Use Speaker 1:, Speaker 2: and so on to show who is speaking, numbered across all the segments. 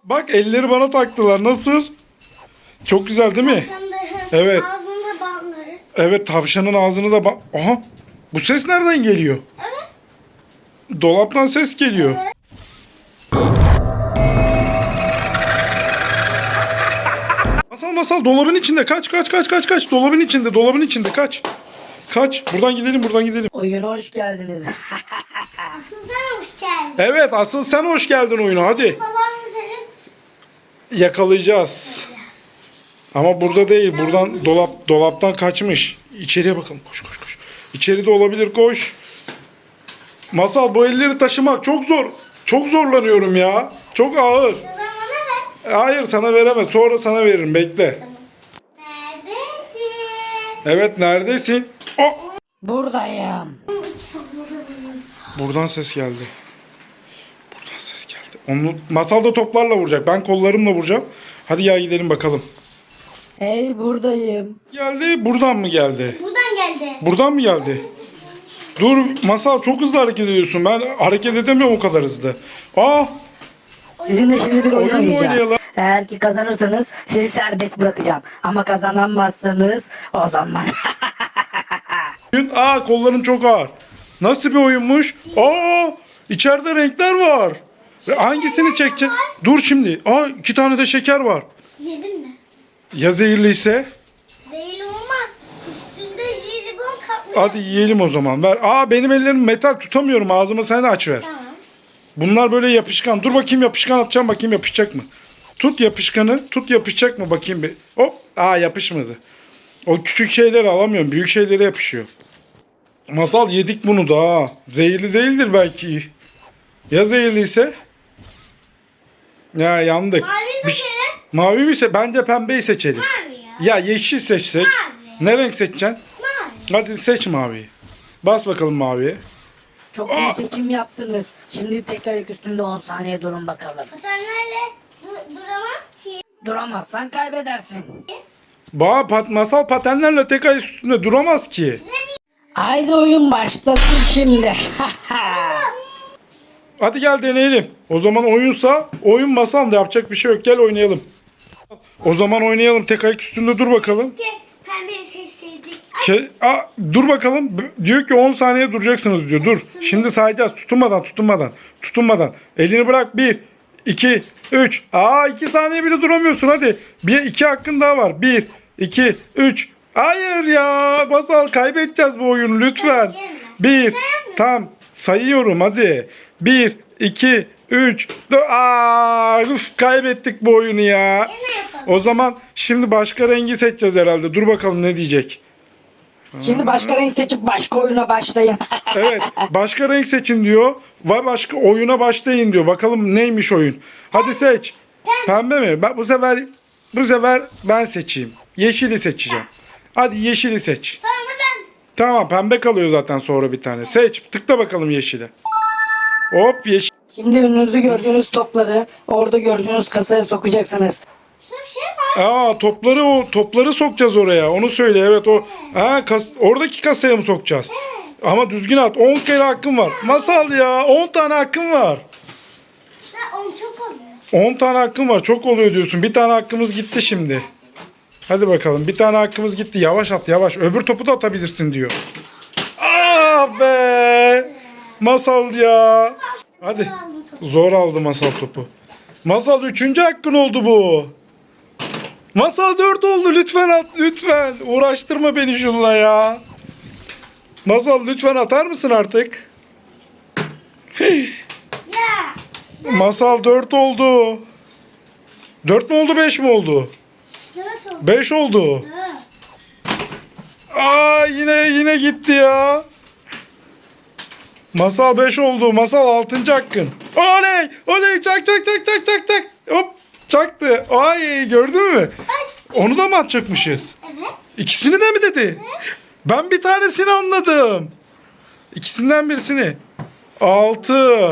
Speaker 1: Bak elleri bana taktılar. Nasıl? Çok güzel değil mi? Evet.
Speaker 2: Ağzını bağlarız.
Speaker 1: Evet, tavşanın ağzını da Aha! Bu ses nereden geliyor?
Speaker 2: Evet.
Speaker 1: Dolaptan ses geliyor.
Speaker 2: Evet.
Speaker 1: Masal dolabın içinde. Kaç. Dolabın içinde kaç. Kaç. Buradan gidelim.
Speaker 3: Oyuna hoş geldiniz.
Speaker 2: Asıl sen hoş geldin.
Speaker 1: Evet, asıl sen hoş geldin oyuna. Hadi.
Speaker 2: Babam mı senin?
Speaker 1: Yakalayacağız. Ama burada değil. Buradan dolaptan kaçmış. İçeriye bakalım. Koş. İçeride olabilir, koş. Masal, bu elleri taşımak çok zor. Çok zorlanıyorum ya. Çok ağır.
Speaker 2: O zaman bana ver.
Speaker 1: Hayır, sana veremez. Sonra sana veririm. Bekle.
Speaker 2: Neredesin?
Speaker 1: Evet, neredesin? Oh!
Speaker 3: Buradayım.
Speaker 1: Buradan ses geldi. Onu Masal da toplarla vuracak. Ben kollarımla vuracağım. Hadi ya, gidelim bakalım.
Speaker 3: Hey buradayım.
Speaker 1: Geldi. Buradan mı geldi?
Speaker 2: Buradan geldi.
Speaker 1: Buradan mı geldi? Dur Masal, çok hızlı hareket ediyorsun. Ben hareket edemiyorum o kadar hızlı.
Speaker 3: Sizinle şimdi bir oyun
Speaker 1: Oyun mu
Speaker 3: oynayacağız.
Speaker 1: oynayalım?
Speaker 3: Eğer ki kazanırsanız sizi serbest bırakacağım. Ama kazanamazsanız o zaman.
Speaker 1: Kollarım çok ağır. Nasıl bir oyunmuş? İçeride renkler var. Hangisini çekeceğim? Dur şimdi. 2 tane de şeker var.
Speaker 2: Yiyelim mi?
Speaker 1: Ya zehirliyse?
Speaker 2: Zehirli olmaz. Üstünde jelibon tatlı.
Speaker 1: Hadi yiyelim o zaman. Ver. Benim ellerim metal, tutamıyorum. Ağzıma sen de aç ver.
Speaker 2: Tamam.
Speaker 1: Bunlar böyle yapışkan. Dur bakayım, yapışkan atacağım, bakayım yapışacak mı? Tut yapışkanı. Tut, yapışacak mı bakayım bir. Hop. Yapışmadı. O küçük şeyleri alamıyorum. Büyük şeylere yapışıyor. Masal, yedik bunu da. Zehirli değildir belki. Ya zehirliyse? Ya yandık.
Speaker 2: Mavi seçelim.
Speaker 1: Mavi mi bence pembeyi seçelim.
Speaker 2: Mavi ya.
Speaker 1: Ya yeşil seçsek.
Speaker 2: Mavi.
Speaker 1: Ne renk seçeceksin?
Speaker 2: Mavi.
Speaker 1: Hadi seç maviyi. Bas bakalım maviye.
Speaker 3: Çok iyi seçim yaptınız. Şimdi tek ayak üstünde 10 saniye durun bakalım.
Speaker 2: Patenlerle duramam ki.
Speaker 3: Duramazsan kaybedersin.
Speaker 1: Masal patenlerle tek ay üstünde duramaz ki.
Speaker 3: Haydi oyun başlasın şimdi.
Speaker 1: Hadi gel deneyelim. O zaman oyun Masal da yapacak bir şey yok. Gel oynayalım. O zaman oynayalım. Tek ayak üstünde dur bakalım.
Speaker 2: Pembeyi seçseydik.
Speaker 1: Dur bakalım. Diyor ki 10 saniye duracaksınız diyor. Dur. Şimdi sayacağız. Tutunmadan. Elini bırak. 1, 2, 3. 2 saniye bile duramıyorsun hadi. 2 hakkın daha var. 1, 2, 3. Hayır ya. Masal, kaybedeceğiz bu oyunu lütfen. 1. Tam sayıyorum hadi. 1, 2, 3. Kaybettik bu oyunu ya.
Speaker 2: Ne yapalım?
Speaker 1: O zaman şimdi başka rengi seçeceğiz herhalde. Dur bakalım ne diyecek.
Speaker 3: Şimdi başka renk seçip başka oyuna başlayın.
Speaker 1: Evet, başka renk seçin diyor. Ve başka oyuna başlayın diyor. Bakalım neymiş oyun. Hadi seç. Pembe mi? Bu sefer ben seçeyim. Yeşili seçeceğim. Hadi yeşili seç.
Speaker 2: Sonra ben.
Speaker 1: Tamam, pembe kalıyor zaten sonra bir tane. Seç. Tıkla bakalım yeşile. Hop, yeşil.
Speaker 3: Şimdi önünüzde gördüğünüz topları orada gördüğünüz kasaya sokacaksınız.
Speaker 2: Şurada bir şey var.
Speaker 1: Topları sokacağız oraya. Onu söyle. Evet o. Oradaki kasaya mı sokacağız? Ama düzgün at. 10 kere hakkın var. Masal ya, 10 tane hakkın var.
Speaker 2: Onu çok oluyor.
Speaker 1: 10 tane hakkın var. Çok oluyor diyorsun. Bir tane hakkımız gitti şimdi. Hadi bakalım. Bir tane hakkımız gitti. Yavaş at, yavaş. Öbür topu da atabilirsin diyor. Be! Masal ya. Hadi. Zor aldı Masal topu. Masal 3. hakkın oldu bu. Masal 4 oldu. Lütfen at. Lütfen. Uğraştırma beni şunla ya. Masal lütfen atar mısın artık?
Speaker 2: Ya.
Speaker 1: Masal 4 oldu. 4 mü oldu, 5 mi oldu?
Speaker 2: 4 oldu.
Speaker 1: 5 oldu.
Speaker 2: 4.
Speaker 1: Yine gitti ya. Masal 5 oldu. Masal 6. hakkın. Oley çak. Hop, çaktı. Gördün mü? Onu da mı atacakmışız?
Speaker 2: Evet.
Speaker 1: İkisini de mi dedi? Ben bir tanesini anladım. İkisinden birisini. 6.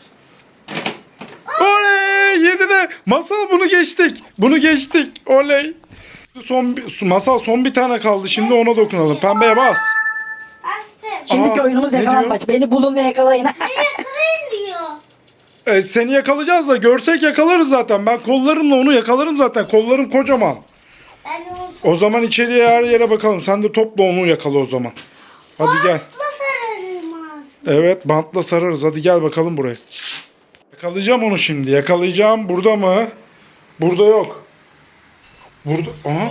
Speaker 1: Oley! 7 de. Masal, bunu geçtik. Oley. Masal son bir tane kaldı. Şimdi ona dokunalım. Pembeye bas.
Speaker 2: Bastım.
Speaker 3: Şimdiki oyunumuz
Speaker 1: ne
Speaker 3: yakalanmaç. Beni bulun ve yakalayın.
Speaker 2: Beni yakalayın diyor.
Speaker 1: Seni yakalayacağız da görsek yakalarız zaten. Ben kollarımla onu yakalarım zaten. Kollarım kocaman.
Speaker 2: Ben de onu
Speaker 1: O zaman içeriye her yere bakalım. Sen de topla onu yakala o zaman. Hadi gel.
Speaker 2: topla sararım ağzını.
Speaker 1: Evet, bantla sararız. Hadi gel bakalım buraya. Yakalayacağım onu şimdi. Yakalayacağım. Burada mı? Burada yok. Burada. Aha.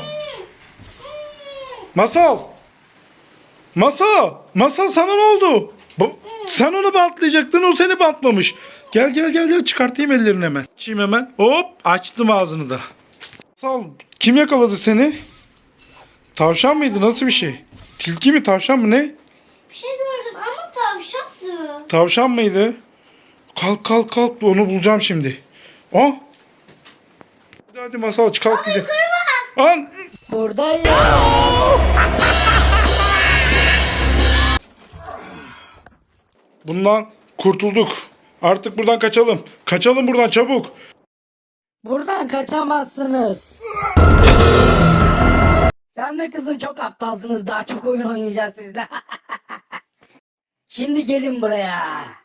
Speaker 1: Masal. Masal. Masal, sana ne oldu? Sen onu bantlayacaktın. O seni bantlamış. Gel gel gel gel. Çıkartayım ellerini hemen. Açayım hemen. Hop. Açtım ağzını da. Masal. Kim yakaladı seni? Tavşan mıydı? Nasıl bir şey? Tilki mi? Tavşan mı? Ne?
Speaker 2: Bir şey gördüm ama tavşandı.
Speaker 1: Tavşan mıydı? Kalk kalk kalk. Onu bulacağım şimdi. Hadi hadi Masal, kalk gidelim. An.
Speaker 3: Buradayım.
Speaker 1: Bundan kurtulduk. Artık buradan kaçalım. Kaçalım buradan çabuk.
Speaker 3: Buradan kaçamazsınız. Sen ve kızın çok aptalsınız. Daha çok oyun oynayacağız sizle. Şimdi gelin buraya.